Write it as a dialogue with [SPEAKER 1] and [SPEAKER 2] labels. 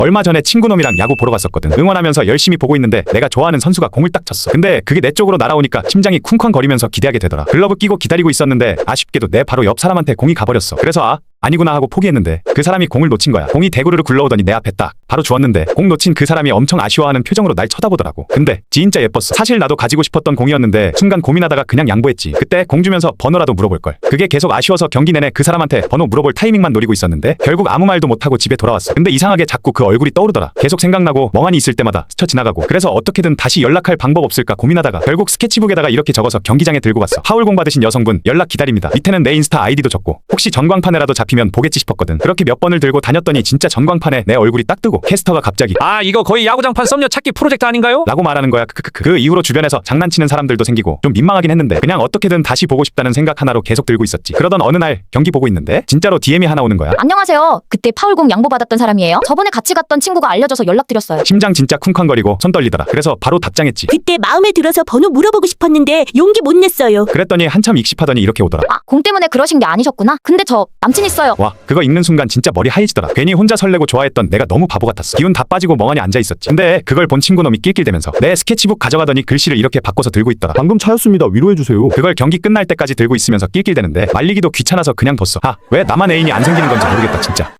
[SPEAKER 1] 얼마 전에 친구놈이랑 야구 보러 갔었거든. 응원하면서 열심히 보고 있는데 내가 좋아하는 선수가 공을 딱 쳤어. 근데 그게 내 쪽으로 날아오니까 심장이 쿵쾅거리면서 기대하게 되더라. 글러브 끼고 기다리고 있었는데 아쉽게도 내 바로 옆 사람한테 공이 가버렸어. 그래서 아니구나 하고 포기했는데 그 사람이 공을 놓친 거야. 공이 대구르르 굴러오더니 내 앞에 딱 바로 주웠는데 공 놓친 그 사람이 엄청 아쉬워하는 표정으로 날 쳐다보더라고. 근데 진짜 예뻤어. 사실 나도 가지고 싶었던 공이었는데 순간 고민하다가 그냥 양보했지. 그때 공 주면서 번호라도 물어볼걸. 그게 계속 아쉬워서 경기 내내 그 사람한테 번호 물어볼 타이밍만 노리고 있었는데 결국 아무 말도 못하고 집에 돌아왔어. 근데 이상하게 자꾸 그 얼굴이 떠오르더라. 계속 생각나고 멍하니 있을 때마다 스쳐 지나가고. 그래서 어떻게든 다시 연락할 방법 없을까 고민하다가 결국 스케치북에다가 이렇게 적어서 경기장에 들고 갔어. 하울공 받으신 여성분 연락 기다립니다. 밑에는 내 인스타 아이디도 적고 혹시 전광판에라도 잡히면 보겠지 싶었거든. 그렇게 몇 번을 들고 다녔더니 진짜 전광판에 내 얼굴이 딱 뜨고 캐스터가 갑자기
[SPEAKER 2] 이거 거의 야구장판 썸녀 찾기 프로젝트 아닌가요?
[SPEAKER 1] 라고 말하는 거야. 그 이후로 주변에서 장난치는 사람들도 생기고 좀 민망하긴 했는데 그냥 어떻게든 다시 보고 싶다는 생각 하나로 계속 들고 있었지. 그러던 어느 날 경기 보고 있는데 진짜로 DM이 하나 오는 거야.
[SPEAKER 3] 안녕하세요. 그때 파울공 양보받았던 사람이에요. 저번에 같이 갔던 친구가 알려줘서 연락드렸어요.
[SPEAKER 1] 심장 진짜 쿵쾅거리고 손 떨리더라. 그래서 바로 답장했지.
[SPEAKER 4] 그때 마음에 들어서 번호 물어보고 싶었는데 용기 못 냈어요.
[SPEAKER 1] 그랬더니 한참 익십하더니 이렇게 오더라.
[SPEAKER 3] 공 때문에 그러신 게 아니셨구나. 근데 저 남친 있어요.
[SPEAKER 1] 와, 그거 읽는 순간 진짜 머리 하얘지더라. 괜히 혼자 설레고 좋아했던 내가 너무 바보 같았어. 기운 다 빠지고 멍하니 앉아있었지. 근데 그걸 본 친구놈이 낄낄대면서 내 스케치북 가져가더니 글씨를 이렇게 바꿔서 들고 있더라.
[SPEAKER 5] 방금 차였습니다. 위로해주세요.
[SPEAKER 1] 그걸 경기 끝날 때까지 들고 있으면서 낄낄대는데 말리기도 귀찮아서 그냥 뒀어. 왜 나만 애인이 안 생기는 건지 모르겠다 진짜.